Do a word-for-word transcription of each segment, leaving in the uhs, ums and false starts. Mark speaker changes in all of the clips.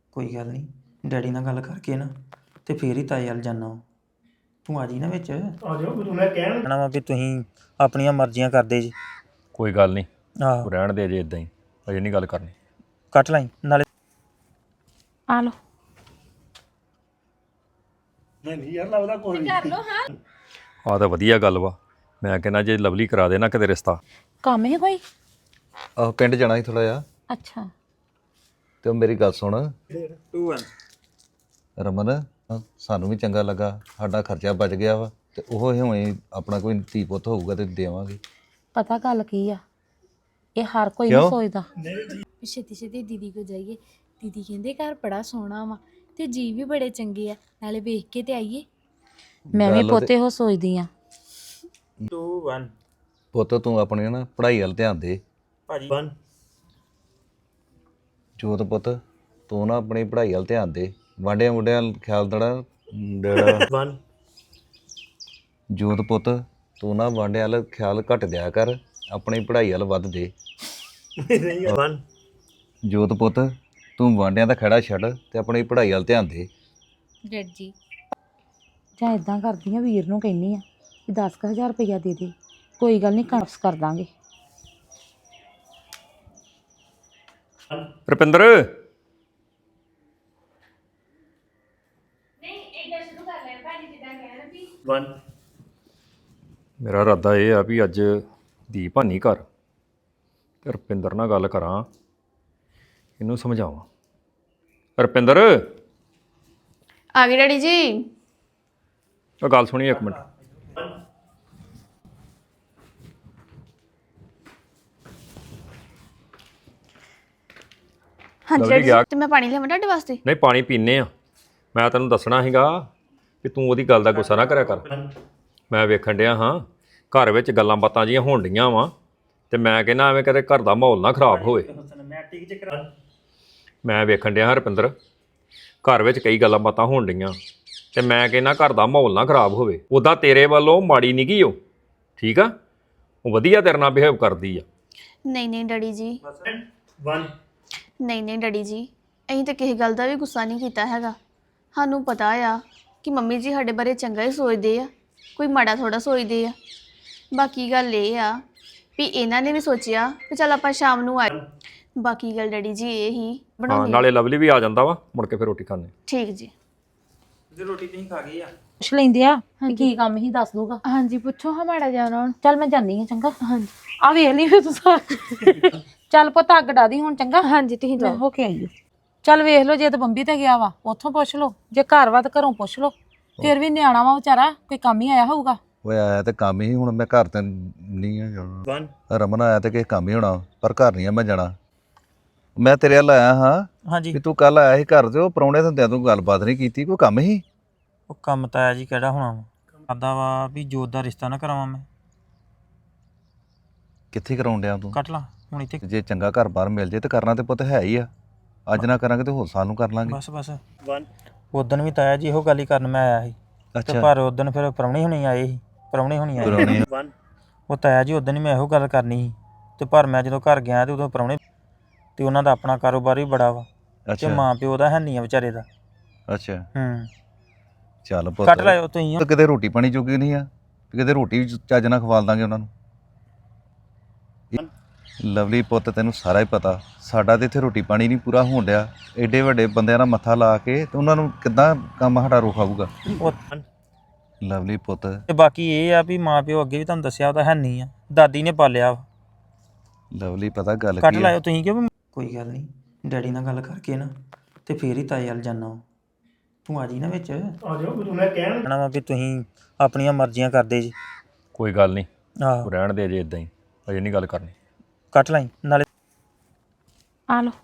Speaker 1: ਕੋਈ ਗੱਲ ਨਹੀਂ ਡੈਡੀ ਨਾਲ ਗੱਲ ਕਰਕੇ ਨਾ ਤੇ ਫੇਰ ਹੀ ਤਾਏ ਵੱਲ ਜਾਣਾ ਤੂੰ ਆ ਜੀ ਨਾ ਵਿੱਚ
Speaker 2: ਆ ਜਾਓ ਮੈਨੂੰ ਮੈਂ ਕਹਿਣ
Speaker 1: ਕਹਿਣਾ ਵਾ ਵੀ ਤੁਸੀਂ ਆਪਣੀਆਂ ਮਰਜ਼ੀਆਂ ਕਰਦੇ ਜੀ
Speaker 3: ਕੋਈ ਗੱਲ ਨਹੀਂ
Speaker 1: ਆਹੋ
Speaker 3: ਰਹਿਣ ਦੇ ਜੇ ਇਦਾਂ ਹੀ ਅਜੇ ਨਹੀਂ ਗੱਲ ਕਰਨੀ
Speaker 1: ਕੱਟ ਲਾਈ ਨਾਲੇ
Speaker 4: ਆ ਲੋ
Speaker 2: ਨਹੀਂ ਯਾਰ ਲੱਗਦਾ ਕੋਈ ਨਹੀਂ
Speaker 3: ਆਹ ਤਾਂ ਵਧੀਆ ਗੱਲ ਵਾ ਮੈਂ ਕਹਿੰਦਾ ਜੇ ਲਵਲੀ ਕਰਾ ਦੇ ਨਾ ਕਿਤੇ ਰਿਸ਼ਤਾ
Speaker 4: ਕੰਮ ਹੈ ਕੋਈ
Speaker 5: ਆਹ ਪਿੰਡ ਜਾਣਾ ਸੀ ਥੋੜਾ ਜਿਹਾ
Speaker 4: ਅੱਛਾ
Speaker 5: ਤੇ ਉਹ ਮੇਰੀ ਗੱਲ ਸੁਣ
Speaker 1: ਟੂ
Speaker 5: ਰਮਨ ਅਹ ਸਾਨੂੰ ਵੀ ਚੰਗਾ ਲੱਗਾ ਸਾਡਾ ਖਰਚਾ ਬਚ ਗਿਆ ਵਾ ਤੇ ਉਹ ਹਿਵੇਂ ਆਪਣਾ ਕੋਈ ਧੀ ਪੁੱਤ ਹੋਊਗਾ ਤੇ ਦੇਵਾਂਗੇ
Speaker 4: ਪਤਾ ਗੱਲ ਕੀ ਆ ਇਹ ਹਰ ਕੋਈ ਨਹੀਂ
Speaker 5: ਕਿਉਂ?
Speaker 4: ਸੋਚਦਾ
Speaker 6: ਛੇਤੀ ਛੇਤੀ ਦੀਦੀ ਕੋ ਜਾਈਏ ਦੀਦੀ ਕਹਿੰਦੇ ਘਰ ਬੜਾ ਸੋਹਣਾ ਵਾ ਤੇ ਜੀ ਵੀ ਬੜੇ ਚੰਗੇ ਆ ਨਾਲੇ ਵੇਖ ਕੇ ਤੇ ਆਈਏ
Speaker 4: ਮੈਂ ਵੀ
Speaker 5: ਗੱਲ ਤੇ-
Speaker 4: ਪੋਤੇ ਹੋ ਸੋਚਦੀ ਆ
Speaker 1: ਟੂ ਵਨ
Speaker 5: ਪੁੱਤ ਤੂੰ ਆਪਣੀ ਨਾ ਪੜ੍ਹਾਈ ਵੱਲ ਧਿਆਨ ਦੇ
Speaker 1: ਭਾਜੀ
Speaker 2: ਵਨ
Speaker 5: ਜੋਤ ਪੁੱਤ ਤੂੰ ਨਾ ਆਪਣੀ ਪੜ੍ਹਾਈ ਵੱਲ ਧਿਆਨ ਦੇ ਵਾਂਡਿਆਂ ਮੁੰਡਿਆਂ ਵੱਲ ਖਿਆਲ ਦੜਾ ਡੇੜਾ
Speaker 2: ਵਨ
Speaker 5: ਜੋਤ ਪੁੱਤ ਤੂੰ ਨਾ ਵਾਂਡਿਆਂ ਵੱਲ ਖਿਆਲ ਘੱਟ ਦਿਆ ਕਰ ਆਪਣੀ ਪੜ੍ਹਾਈ ਵੱਲ ਵੱਧ ਦੇ
Speaker 2: ਨਹੀਂ ਵਨ
Speaker 5: ਜੋਤ ਪੁੱਤ ਤੂੰ ਵਾਂਡਿਆਂ ਦਾ ਖੜਾ ਛੱਡ ਤੇ ਆਪਣੀ ਪੜ੍ਹਾਈ ਵੱਲ ਧਿਆਨ ਦੇ
Speaker 6: ਡੈਡ ਜੀ
Speaker 4: ਜਾਂ ਇਦਾਂ ਕਰਦੀ ਆ ਵੀਰ ਨੂੰ ਕਹਿੰਨੀ ਆ ਕਿ ਦਸ ਕੁ ਹਜ਼ਾਰ ਰੁਪਇਆ ਦੇ ਦੇ ਕੋਈ ਗੱਲ ਨਹੀਂ ਕਾਪਸ ਕਰ ਦਾਂਗੇ
Speaker 3: ਰੁਪਿੰਦਰ
Speaker 2: ਵਨ
Speaker 3: ਮੇਰਾ ਇਰਾਦਾ ਇਹ ਆ ਵੀ ਅੱਜ ਦੀਪ ਹਾਨੀ ਘਰ ਤੇ ਰੁਪਿੰਦਰ ਨਾਲ ਗੱਲ ਕਰਾਂ ਇਹਨੂੰ ਸਮਝਾਵਾਂ ਰੁਪਿੰਦਰ
Speaker 6: ਆ ਗਏ ਡੈਡੀ ਜੀ
Speaker 3: ਉਹ ਗੱਲ ਸੁਣੀ ਇੱਕ ਮਿੰਟ
Speaker 6: ਹਾਂਜੀ
Speaker 3: ਲਵਲੀ
Speaker 6: ਡੈਡੀ
Speaker 3: ਗਿਆ।
Speaker 6: ਜੀ ਤੇ ਮੈਂ ਪਾਣੀ ਲਿਆਵਾਂ ਤੁਹਾਡੇ ਵਾਸਤੇ
Speaker 3: ਨਹੀਂ ਪਾਣੀ ਪੀਨੇ ਆ ਮੈਂ ਤੈਨੂੰ ਦੱਸਣਾ ਸੀਗਾ ਕਿ ਤੂੰ ਉਹਦੀ ਗੱਲ ਦਾ ਗੁੱਸਾ ਨਾ ਕਰਿਆ ਕਰ ਮੈਂ ਵੇਖਣ ਡਿਆ ਹਾਂ ਘਰ ਵਿੱਚ ਗੱਲਾਂ ਬਾਤਾਂ ਜੀਆਂ ਹੋਣ ਡੀਆਂ ਵਾ ਤੇ ਮੈਂ ਕਹਿੰਦਾ ਐਵੇਂ ਕਦੇ ਘਰ ਦਾ ਮਾਹੌਲ ਨਾ ਖਰਾਬ ਹੋਵੇ ਮੈਂ ਵੇਖਣ ਡਿਆ ਹਾਂ ਰੁਪਿੰਦਰ ਘਰ ਵਿੱਚ ਕਈ ਗੱਲਾਂ ਬਾਤਾਂ ਹੋਣ ਡੀਆਂ ਤੇ ਮੈਂ ਕਹਿੰਦਾ ਘਰ ਦਾ ਮਾਹੌਲ ਨਾ ਖਰਾਬ ਹੋਵੇ ਉੱਦਾਂ ਤੇਰੇ ਵੱਲੋਂ ਮਾੜੀ ਨਹੀਂ ਗਈ ਉਹ ਠੀਕ ਆ ਉਹ ਵਧੀਆ ਤੇਰੇ ਨਾਲ ਬਿਹੇਵ ਕਰਦੀ ਆ
Speaker 6: ਨਹੀਂ ਨਹੀਂ ਡੈਡੀ ਜੀ
Speaker 2: ਵਨ
Speaker 6: ਨਹੀਂ ਨਹੀਂ ਡੈਡੀ ਜੀ ਅਸੀਂ ਤਾਂ ਕਿਸੇ ਗੱਲ ਦਾ ਵੀ ਗੁੱਸਾ ਨਹੀਂ ਕੀਤਾ ਹੈਗਾ ਸਾਨੂੰ ਪਤਾ ਆ ਕਿ ਮੰਮੀ ਜੀ ਸਾਡੇ ਬਾਰੇ ਚੰਗਾ ਹੀ ਸੋਚਦੇ ਆ ਕੋਈ ਮਾੜਾ ਥੋੜਾ ਸੋਚਦੇ ਆ ਬਾਕੀ ਗੱਲ ਇਹ ਆ ਵੀ ਇਹਨਾਂ ਨੇ ਵੀ ਸੋਚਿਆ ਵੀ ਚੱਲ ਆਪਾਂ ਸ਼ਾਮ ਨੂੰ ਆਏ ਬਾਕੀ ਗੱਲ ਡੈਡੀ ਜੀ ਇਹ ਹੀ
Speaker 3: ਹਾਂ
Speaker 6: ਬਣਾਉਣੀ
Speaker 3: ਨਾਲੇ ਲਵਲੀ ਵੀ ਆ ਜਾਂਦਾ ਵਾ ਮੁੜ ਕੇ ਫਿਰ ਰੋਟੀ ਖਾਣੇ
Speaker 6: ਠੀਕ ਜੀ
Speaker 1: ਜੇ ਰੋਟੀ ਤੁਸੀਂ ਖਾ ਗਏ ਆ
Speaker 4: ਪੁੱਛ ਲੈਂਦੇ ਆ ਵੀ ਕੀ ਕੰਮ ਹੀ ਦੱਸ ਦੂਗਾ
Speaker 6: ਹਾਂਜੀ ਪੁੱਛੋ ਹਾਂ ਮਾੜਾ ਜਾਣਾ ਹੁਣ
Speaker 4: ਚੱਲ ਮੈਂ ਜਾਨੀ ਆ ਚੰਗਾ
Speaker 6: ਹਾਂਜੀ
Speaker 4: ਆ ਵੇਖ ਲਈ ਫਿਰ ਤੂੰ ਸਾਰਾ ਚੱਲ ਪੁੱਤ ਅੱਗ ਡਾਦੀ ਹੁਣ ਚੰਗਾ
Speaker 6: ਹਾਂਜੀ ਤੁਸੀਂ
Speaker 4: ਲੈ
Speaker 6: ਜਾਓ
Speaker 4: ਹੋ ਕੇ ਆਈਓ ਚੱਲ ਵੇਖ ਲਓ ਜੇ ਤੇ ਬੰਬੀ ਤੇ ਗਿਆ ਵਾ ਉੱਥੋਂ ਪੁੱਛ ਲਓ ਜੇ ਘਰ ਵਾ ਤੇ ਘਰੋਂ ਪੁੱਛ ਲਓ ਫਿਰ ਵੀ ਨਿਆਣਾ ਵਾ ਵਿਚਾਰਾ ਕੋਈ ਕੰਮ ਹੀ ਆਇਆ ਹੋਊਗਾ
Speaker 5: ਓਏ ਆਇਆ ਤੇ ਕੰਮ ਹੀ ਹੁਣ ਮੈਂ ਘਰ ਤੇ ਨਹੀਂ ਆ ਜਾਣਾ
Speaker 2: ਵਨ
Speaker 5: ਰਮਨ ਆਇਆ ਤੇ ਕਿਸੇ ਕੰਮ ਹੀ ਹੋਣਾ ਪਰ ਘਰ ਨਹੀਂ ਆ ਮੈਂ ਜਾਣਾ ਮੈਂ ਤੇਰੇ ਵੱਲ ਆਇਆ ਹਾਂ
Speaker 1: ਹਾਂਜੀ
Speaker 5: ਵੀ ਤੂੰ ਕੱਲ ਆਇਆ ਸੀ ਘਰ ਤੇ ਉਹ ਪ੍ਰਾਹੁਣੇ ਹੁੰਦਿਆਂ ਤੂੰ ਗੱਲਬਾਤ ਨਹੀਂ ਕੀਤੀ ਕੋਈ ਕੰਮ ਹੀ
Speaker 1: ਉਹ ਕੰਮ ਤਾਂ ਆ ਜੀ ਕਿਹੜਾ ਹੋਣਾ ਵਾ ਕਰਦਾ ਵਾ ਵੀ ਜੋਤ ਦਾ ਰਿਸ਼ਤਾ ਨਾ ਕਰਾਵਾਂ ਮੈਂ
Speaker 5: ਕਿੱਥੇ ਕਰਾਉਣ ਡਿਆ ਤੂੰ
Speaker 1: ਕੱਟ ਲਾ ਹੁਣ ਇੱਥੇ
Speaker 5: ਤੇ ਜੇ ਚੰਗਾ ਘਰ ਬਾਹਰ ਮਿਲ ਜੇ ਤੇ ਕਰਨਾ ਤੇ ਪੁੱਤ ਹੈ ਹੀ ਆ ਅੱਜ ਨਾ ਕਰਾਂਗੇ ਤੇ ਹੋਰ ਸਾਲ ਨੂੰ ਕਰ ਲਾਂਗੇ
Speaker 1: ਬਸ ਬਸ
Speaker 2: ਵਨ
Speaker 1: ਉਦਣ ਵੀ ਤਾਇਆ ਜੀ ਇਹੋ ਗੱਲ ਹੀ ਕਰਨ ਮੈਂ ਆਇਆ ਸੀ ਤੇ
Speaker 5: ਅੱਛਾ
Speaker 1: ਪਰ ਉਦਣ ਫਿਰ ਪ੍ਰਾਹੁਣੇ ਹੁਣੀ ਆਏ ਸੀ ਪ੍ਰਾਹੁਣੇ ਹੁਣੀ ਆਏ
Speaker 5: ਪ੍ਰਾਹੁਣੇ
Speaker 2: ਵਨ
Speaker 1: ਉਹ ਤਾਇਆ ਜੀ ਉਦਣ ਹੀ ਮੈਂ ਇਹੋ ਗੱਲ ਕਰਨੀ ਸੀ ਤੇ ਪਰ ਮੈਂ ਜਦੋਂ ਘਰ ਗਿਆ ਤੇ ਉਦੋਂ ਪ੍ਰਾਹੁਣੇ ਤੇ ਉਹਨਾਂ ਦਾ ਆਪਣਾ ਕਾਰੋਬਾਰ ਵੀ ਬੜਾ ਵਾ ਤੇ
Speaker 5: ਅੱਛਾ
Speaker 1: ਮਾਂ ਪਿਓ ਦਾ ਹੈ ਨਹੀਂ ਆ ਵਿਚਾਰੇ ਦਾ
Speaker 5: ਅੱਛਾ
Speaker 1: ਹੂੰ
Speaker 5: ਚੱਲ ਪੁੱਤ
Speaker 1: ਕੱਟ ਲਾਇਓ ਤੁਸੀਂ
Speaker 5: ਤੇ ਕਿਤੇ ਰੋਟੀ ਪਾਣੀ ਜੋਗੀ ਨਹੀਂ ਆ ਵੀ ਕਿਤੇ ਰੋਟੀ ਵੀ ਚੱਜ ਨਾਲ ਖਵਾਲ ਦਾਂਗੇ ਉਹਨਾਂ ਨੂੰ ਲਵਲੀ ਪੁੱਤ ਤੈਨੂੰ ਸਾਰਾ ਹੀ ਪਤਾ ਸਾਡਾ ਤੇ ਇੱਥੇ ਰੋਟੀ ਪਾਣੀ ਨਹੀਂ ਪੂਰਾ ਹੋਣ ਡਿਆ ਐਡੇ ਵੱਡੇ ਬੰਦਿਆਂ ਨਾਲ ਮੱਥਾ ਲਾ ਕੇ ਤੇ ਉਹਨਾਂ ਨੂੰ ਕਿੱਦਾਂ ਕੰਮ ਸਾਡਾ ਰੋਖਾਊਗਾ
Speaker 1: ਉਹ
Speaker 5: ਲਵਲੀ ਪੁੱਤ
Speaker 1: ਤੇ ਬਾਕੀ ਇਹ ਆ ਵੀ ਮਾਂ ਪਿਓ ਅੱਗੇ ਵੀ ਤੁਹਾਨੂੰ ਦੱਸਿਆ ਉਹਦਾ ਹੈ ਨਹੀਂ ਆ ਦਾਦੀ ਨੇ ਪਾਲਿਆ ਵਾ।
Speaker 5: ਲਵਲੀ ਪਤਾ ਗੱਲ
Speaker 1: ਕੱਟ
Speaker 5: ਕੀ ਆ
Speaker 1: ਲਾਇਓ ਤੁਸੀਂ ਕਿਉਂ ਕੋਈ ਗੱਲ ਨਹੀਂ ਡੈਡੀ ਨਾਲ ਗੱਲ ਕਰਕੇ ਨਾ ਤੇ ਫੇਰ ਹੀ ਤਾਏ ਵੱਲ ਜਾਣਾ ਤੂੰ ਆ ਜੀ ਨਾ ਵਿੱਚ
Speaker 2: ਆ ਜਾਓ ਮੈਨੂੰ ਮੈਂ ਕਹਿਣ
Speaker 1: ਕਹਿਣਾ ਵਾ ਵੀ ਤੁਸੀਂ ਆਪਣੀਆਂ ਮਰਜ਼ੀਆਂ ਕਰਦੇ ਜੀ
Speaker 3: ਕੋਈ ਗੱਲ ਨਹੀਂ
Speaker 1: ਆਹੋ
Speaker 3: ਰਹਿਣ ਦੇ ਜੇ ਇਦਾਂ ਹੀ ਅਜੇ ਨਹੀਂ ਗੱਲ ਕਰਨੀ
Speaker 1: ਕੱਟ ਲਾਈ ਨਾਲੇ
Speaker 4: ਆ ਲੋ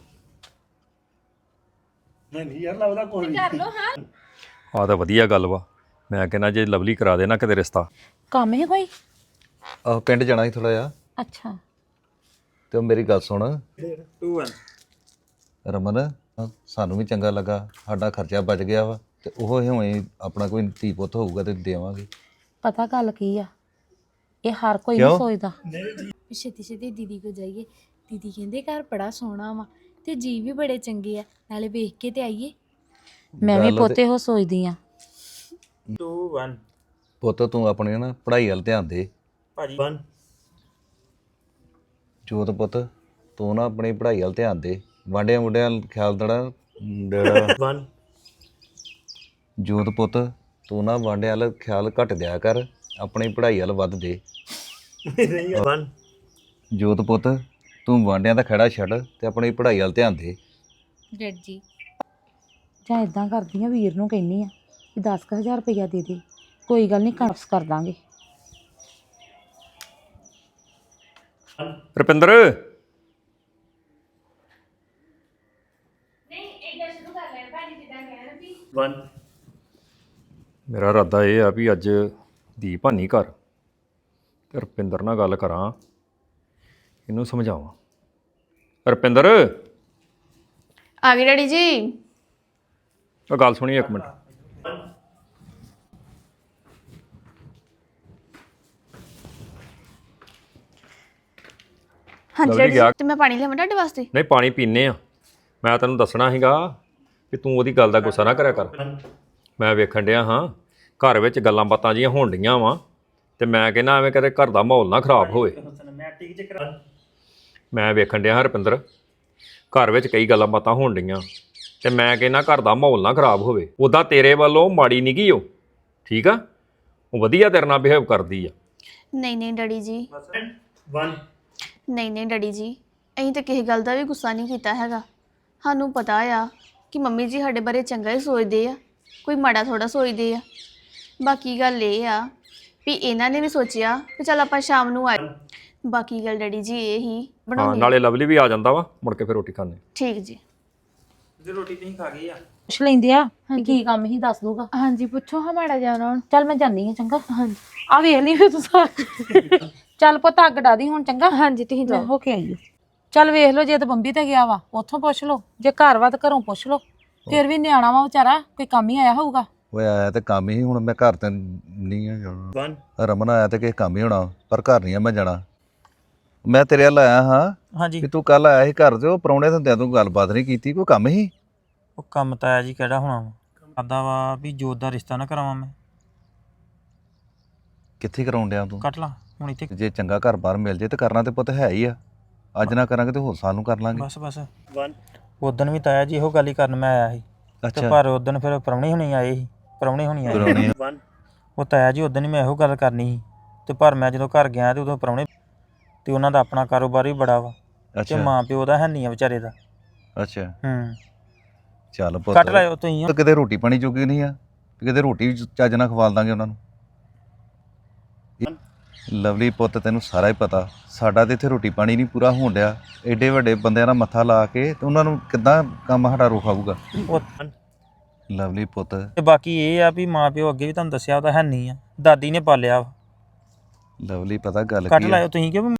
Speaker 2: ਨਹੀਂ ਯਾਰ ਲੱਗਦਾ ਕੋਈ ਨਹੀਂ
Speaker 3: ਆਹ ਤਾਂ ਵਧੀਆ ਗੱਲ ਵਾ ਮੈਂ ਕਹਿੰਦਾ ਜੇ ਲਵਲੀ ਕਰਾ ਦੇ ਨਾ ਕਿਤੇ ਰਿਸ਼ਤਾ
Speaker 4: ਕੰਮ ਹੈ ਕੋਈ
Speaker 5: ਆਹ ਪਿੰਡ ਜਾਣਾ ਸੀ ਥੋੜਾ ਜਿਹਾ
Speaker 4: ਅੱਛਾ
Speaker 5: ਤੇ ਉਹ ਮੇਰੀ ਗੱਲ ਸੁਣ
Speaker 1: ਟੂ ਵਨ
Speaker 5: ਰਮਨ ਅਹ ਸਾਨੂੰ ਵੀ ਚੰਗਾ ਲੱਗਾ ਸਾਡਾ ਖਰਚਾ ਬਚ ਗਿਆ ਵਾ ਤੇ ਉਹ ਹਿਵੇਂ ਆਪਣਾ ਕੋਈ ਧੀ ਪੁੱਤ ਹੋਊਗਾ ਤੇ ਦੇਵਾਂਗੇ
Speaker 4: ਪਤਾ ਗੱਲ ਕੀ ਆ ਇਹ ਹਰ ਕੋਈ ਨਹੀਂ
Speaker 5: ਕਿਉਂ?
Speaker 4: ਸੋਚਦਾ
Speaker 6: ਛੇਤੀ ਛੇਤੀ ਦੀਦੀ ਕੋ ਜਾਈਏ ਦੀਦੀ ਕਹਿੰਦੇ ਘਰ ਬੜਾ ਸੋਹਣਾ ਵਾ
Speaker 7: ਤੇ ਜੀ ਵੀ ਬੜੇ ਚੰਗੇ ਆ, ਨਾਲੇ ਵੇਖ ਕੇ ਤੇ ਆਈਏ।
Speaker 4: ਮੈਂ ਵੀ
Speaker 5: ਗੱਲ ਤੇ-
Speaker 4: ਪੋਤੇ ਹੋ ਸੋਚਦੀ ਆ।
Speaker 1: ਟੂ ਵਨ
Speaker 5: ਪੁੱਤ ਤੂੰ ਆਪਣੀ ਨਾ ਪੜ੍ਹਾਈ ਵੱਲ ਧਿਆਨ ਦੇ।
Speaker 1: ਭਾਜੀ
Speaker 2: ਵਨ
Speaker 5: ਜੋਤ ਪੁੱਤ ਤੂੰ ਨਾ ਆਪਣੀ ਪੜ੍ਹਾਈ ਵੱਲ ਧਿਆਨ ਦੇ, ਵਾਂਡਿਆਂ ਮੁੰਡਿਆਂ ਵੱਲ ਖਿਆਲ ਦੇਣਾ ਦੇਣਾ।
Speaker 2: ਵਨ
Speaker 5: ਜੋਤ ਪੁੱਤ ਤੂੰ ਨਾ ਵਾਂਡਿਆਂ ਵੱਲ ਖਿਆਲ ਘੱਟ ਦਿਆ ਕਰ, ਆਪਣੀ ਪੜ੍ਹਾਈ ਵੱਲ ਵੱਧ ਦੇ।
Speaker 2: ਨਹੀਂ ਵਨ
Speaker 5: ਜੋਤ ਪੁੱਤ ਤੂੰ ਵਾਂਡਿਆਂ ਦਾ ਖੜਾ ਛੱਡ ਤੇ ਆਪਣੀ ਪੜ੍ਹਾਈ ਵੱਲ ਧਿਆਨ ਦੇ।
Speaker 7: ਡੈਡ ਜੀ
Speaker 4: ਜਾਂ ਇਦਾਂ ਕਰਦੀ ਆ, ਵੀਰ ਨੂੰ ਕਹਿੰਨੀ ਆ ਕਿ ਦਸ ਕੁ ਹਜ਼ਾਰ ਰੁਪਈਆ ਦੇ ਦੇ, ਕੋਈ ਗੱਲ ਨਹੀਂ ਕਾਪਸ ਕਰ ਦਾਂਗੇ।
Speaker 3: ਰੁਪਿੰਦਰ
Speaker 2: ਵਨ
Speaker 3: ਮੇਰਾ ਇਰਾਦਾ ਇਹ ਆ ਵੀ ਅੱਜ ਦੀਪ ਹਾਨੀ ਘਰ ਤੇ ਰੁਪਿੰਦਰ ਨਾਲ ਗੱਲ ਕਰਾਂ, ਇਹਨੂੰ ਸਮਝਾਵਾਂ। ਰੁਪਿੰਦਰ
Speaker 6: ਆ ਗਏ ਡੈਡੀ ਜੀ।
Speaker 3: ਉਹ ਗੱਲ ਸੁਣੀ ਇੱਕ ਮਿੰਟ।
Speaker 6: ਹਾਂਜੀ
Speaker 3: ਲਵਲੀ
Speaker 6: ਡੈਡੀ
Speaker 3: ਗਿਆ।
Speaker 6: ਜੀ, ਤੇ ਮੈਂ ਪਾਣੀ ਲਿਆਵਾਂ ਤੁਹਾਡੇ ਵਾਸਤੇ?
Speaker 3: ਨਹੀਂ ਪਾਣੀ ਪੀਨੇ ਆ, ਮੈਂ ਤੈਨੂੰ ਦੱਸਣਾ ਸੀਗਾ ਕਿ ਤੂੰ ਉਹਦੀ ਗੱਲ ਦਾ ਗੁੱਸਾ ਨਾ ਕਰਿਆ ਕਰ। ਮੈਂ ਵੇਖਣ ਡਿਆ ਹਾਂ ਘਰ ਵਿੱਚ ਗੱਲਾਂ ਬਾਤਾਂ ਜੀਆਂ ਹੋਣ ਡੀਆਂ ਵਾ, ਤੇ ਮੈਂ ਕਹਿੰਦਾ ਐਵੇਂ ਕਦੇ ਘਰ ਦਾ ਮਾਹੌਲ ਨਾ ਖਰਾਬ ਹੋਵੇ। ਮੈਂ ਵੇਖਣ ਡਿਆ ਹਾਂ ਰੁਪਿੰਦਰ, ਘਰ ਵਿੱਚ ਕਈ ਗੱਲਾਂ ਬਾਤਾਂ ਹੋਣ ਡੀਆਂ, ਤੇ ਮੈਂ ਕਹਿੰਦਾ ਘਰ ਦਾ ਮਾਹੌਲ ਨਾ ਖਰਾਬ ਹੋਵੇ। ਉੱਦਾਂ ਤੇਰੇ ਵੱਲੋਂ ਮਾੜੀ ਨਹੀਂ ਗਈ ਉਹ, ਠੀਕ ਆ, ਉਹ ਵਧੀਆ ਤੇਰੇ ਨਾਲ ਬਿਹੇਵ ਕਰਦੀ ਆ।
Speaker 6: ਨਹੀਂ ਨਹੀਂ ਡੈਡੀ ਜੀ,
Speaker 2: ਵਨ
Speaker 6: ਨਹੀਂ ਨਹੀਂ ਡੈਡੀ ਜੀ, ਅਸੀਂ ਤਾਂ ਕਿਸੇ ਗੱਲ ਦਾ ਵੀ ਗੁੱਸਾ ਨਹੀਂ ਕੀਤਾ ਹੈਗਾ। ਸਾਨੂੰ ਪਤਾ ਆ ਕਿ ਮੰਮੀ ਜੀ ਸਾਡੇ ਬਾਰੇ ਚੰਗਾ ਹੀ ਸੋਚਦੇ ਆ, ਕੋਈ ਮਾੜਾ ਥੋੜਾ ਸੋਚਦੇ ਆ। ਬਾਕੀ ਗੱਲ ਇਹ ਆ ਵੀ ਇਹਨਾਂ ਨੇ ਵੀ ਸੋਚਿਆ ਵੀ ਚੱਲ ਆਪਾਂ ਸ਼ਾਮ ਨੂੰ ਆਏ। ਬਾਕੀ ਗੱਲ ਡੈਡੀ ਜੀ ਇਹ ਹੀ
Speaker 3: ਹਾਂ,
Speaker 6: ਬਣਾਉਣੀ।
Speaker 3: ਨਾਲੇ ਲਵਲੀ ਵੀ ਆ ਜਾਂਦਾ ਵਾ, ਮੁੜ ਕੇ ਫਿਰ ਰੋਟੀ ਖਾਣੇ।
Speaker 6: ਠੀਕ ਜੀ।
Speaker 1: ਜੇ ਰੋਟੀ ਤੁਸੀਂ ਖਾ ਗਏ ਆ
Speaker 4: ਪੁੱਛ ਲੈਂਦੇ ਆ ਵੀ ਕੀ ਕੰਮ ਹੀ ਦੱਸ ਦੂਗਾ।
Speaker 7: ਹਾਂਜੀ ਪੁੱਛੋ ਹਾਂ ਮਾੜਾ ਜਾਣਾ ਹੁਣ।
Speaker 4: ਚੱਲ ਮੈਂ ਜਾਨੀ ਆ, ਚੰਗਾ।
Speaker 7: ਹਾਂਜੀ
Speaker 4: ਆ ਵੇਖ ਲਈ ਫਿਰ ਤੂੰ ਸਾਰਾ। ਚੱਲ ਪੁੱਤ ਅੱਗ ਡਾ ਦੀ ਹੁਣ, ਚੰਗਾ।
Speaker 7: ਹਾਂਜੀ ਤੁਸੀਂ
Speaker 4: ਮੈਂ
Speaker 7: ਜਾਓ।
Speaker 4: ਹੋ ਕੇ ਆਈ ਓ। ਚੱਲ ਵੇਖ ਲਓ, ਜੇ ਤਾਂ ਬੰਬੀ ਤੇ ਗਿਆ ਵਾ ਉੱਥੋਂ ਪੁੱਛ ਲਓ, ਜੇ ਘਰ ਵਾ ਤਾਂ ਘਰੋਂ ਪੁੱਛ ਲਓ। ਫਿਰ ਵੀ ਨਿਆਣਾ ਵਾ ਵਿਚਾਰਾ, ਕੋਈ ਕੰਮ ਹੀ ਆਇਆ ਹੋਊਗਾ।
Speaker 5: ਓਏ ਆਇਆ ਤੇ ਕੰਮ ਹੀ, ਹੁਣ ਮੈਂ ਘਰ ਤੇ ਨਹੀਂ ਆ ਜਾਣਾ।
Speaker 2: ਵਨ
Speaker 5: ਰਮਨ ਆਇਆ ਤੇ ਕਿਸੇ ਕੰਮ ਹੀ ਹੋਣਾ, ਪਰ ਘਰ ਨਹੀਂ ਆ ਮੈਂ ਜਾਣਾ। ਮੈਂ ਤੇਰੇ ਵੱਲ ਆਇਆ ਹਾਂ
Speaker 1: ਹਾਂਜੀ
Speaker 5: ਕਿ ਤੂੰ ਕੱਲ ਆਇਆ ਸੀ ਘਰ ਤੇ ਉਹ ਪ੍ਰਾਹੁਣੇ ਹੁੰਦਿਆਂ ਤੂੰ ਗੱਲਬਾਤ ਨਹੀਂ ਕੀਤੀ, ਕੋਈ ਕੰਮ ਹੀ?
Speaker 1: ਉਹ ਕੰਮ ਤਾਂ ਆ ਜੀ ਕਿਹੜਾ ਹੋਣਾ ਵਾ, ਕਰਦਾ ਵਾ ਵੀ ਜੋਤ ਦਾ ਰਿਸ਼ਤਾ ਨਾ ਕਰਾਵਾਂ ਮੈਂ।
Speaker 5: ਕਿੱਥੇ ਕਰਾਉਣ ਡਿਆ ਤੂੰ?
Speaker 1: ਕੱਟ ਲਾ ਹੁਣ ਇੱਥੇ।
Speaker 5: ਜੇ ਚੰਗਾ ਘਰ ਬਾਹਰ ਮਿਲ ਜੇ ਤੇ ਕਰਨਾ ਤੇ ਪੁੱਤ ਹੈ ਹੀ ਆ। ਅੱਜ ਨਾ ਕਰਾਂਗੇ ਤੇ ਹੋਰ ਸਾਲ ਨੂੰ ਕਰ ਲਾਂਗੇ।
Speaker 1: ਬਸ ਬਸ
Speaker 2: ਵਨ
Speaker 1: ਉਦਣ ਵੀ ਤਾਇਆ ਜੀ ਇਹੋ ਗੱਲ ਹੀ ਕਰਨ ਮੈਂ ਆਇਆ ਸੀ, ਤੇ
Speaker 5: ਅੱਛਾ
Speaker 1: ਪਰ ਉਦਣ ਫਿਰ ਪ੍ਰਾਹੁਣੇ ਹੁਣੀ ਆਏ ਸੀ, ਪ੍ਰਾਹੁਣੇ ਹੁਣੀ ਆਏ ਸੀ।
Speaker 5: ਪ੍ਰਾਹੁਣੇ
Speaker 2: ਵਨ
Speaker 1: ਉਹ ਤਾਇਆ ਜੀ ਉਦਣ ਹੀ ਮੈਂ ਇਹੋ ਗੱਲ ਕਰਨੀ ਸੀ, ਤੇ ਪਰ ਮੈਂ ਜਦੋਂ ਘਰ ਗਿਆ ਤੇ ਉਦੋਂ ਪ੍ਰਾਹੁਣੇ, ਤੇ ਉਹਨਾਂ ਦਾ ਆਪਣਾ ਕਾਰੋਬਾਰ ਵੀ ਬੜਾ ਵਾ, ਤੇ
Speaker 5: ਅੱਛਾ
Speaker 1: ਮਾਂ ਪਿਓ ਦਾ ਹੈ ਨਹੀਂ ਆ ਵਿਚਾਰੇ ਦਾ।
Speaker 5: ਅੱਛਾ
Speaker 1: ਹੂੰ
Speaker 5: ਚੱਲ ਪੁੱਤ,
Speaker 1: ਕੱਟ ਲਾਇਓ ਤੁਸੀਂ।
Speaker 5: ਤਾਂ ਕਿਤੇ ਰੋਟੀ ਪਾਣੀ ਜੋਗੀ ਨਹੀਂ ਆ, ਵੀ ਕਿਤੇ ਰੋਟੀ ਵੀ ਚੱਜ ਨਾਲ ਖਵਾਲ ਦਾਂਗੇ ਉਹਨਾਂ ਨੂੰ। ਲਵਲੀ ਪੁੱਤ ਤੈਨੂੰ ਸਾਰਾ ਹੀ ਪਤਾ, ਸਾਡਾ ਤੇ ਇੱਥੇ ਰੋਟੀ ਪਾਣੀ ਨਹੀਂ ਪੂਰਾ ਹੋਣ ਡਿਆ। ਐਡੇ ਵੱਡੇ ਬੰਦਿਆਂ ਨਾਲ ਮੱਥਾ ਲਾ ਕੇ ਤੇ ਉਹਨਾਂ ਨੂੰ ਕਿੱਦਾਂ ਕੰਮ ਸਾਡਾ ਰੋਕਾਊਗਾ?
Speaker 1: ਉਹ
Speaker 5: ਲਵਲੀ ਪੁੱਤ
Speaker 1: ਤੇ ਬਾਕੀ ਇਹ ਆ ਵੀ ਮਾਂ ਪਿਓ ਅੱਗੇ ਵੀ ਤੁਹਾਨੂੰ ਦੱਸਿਆ ਉਹਦਾ ਹੈ ਨਹੀਂ ਆ, ਦਾਦੀ ਨੇ ਪਾਲਿਆ ਵਾ।
Speaker 5: ਲਵਲੀ ਪਤਾ ਗੱਲ
Speaker 1: ਕੱਟ
Speaker 5: ਕੀ ਆ?
Speaker 1: ਲਾਇਓ ਤੁਸੀਂ, ਕਿਉਂ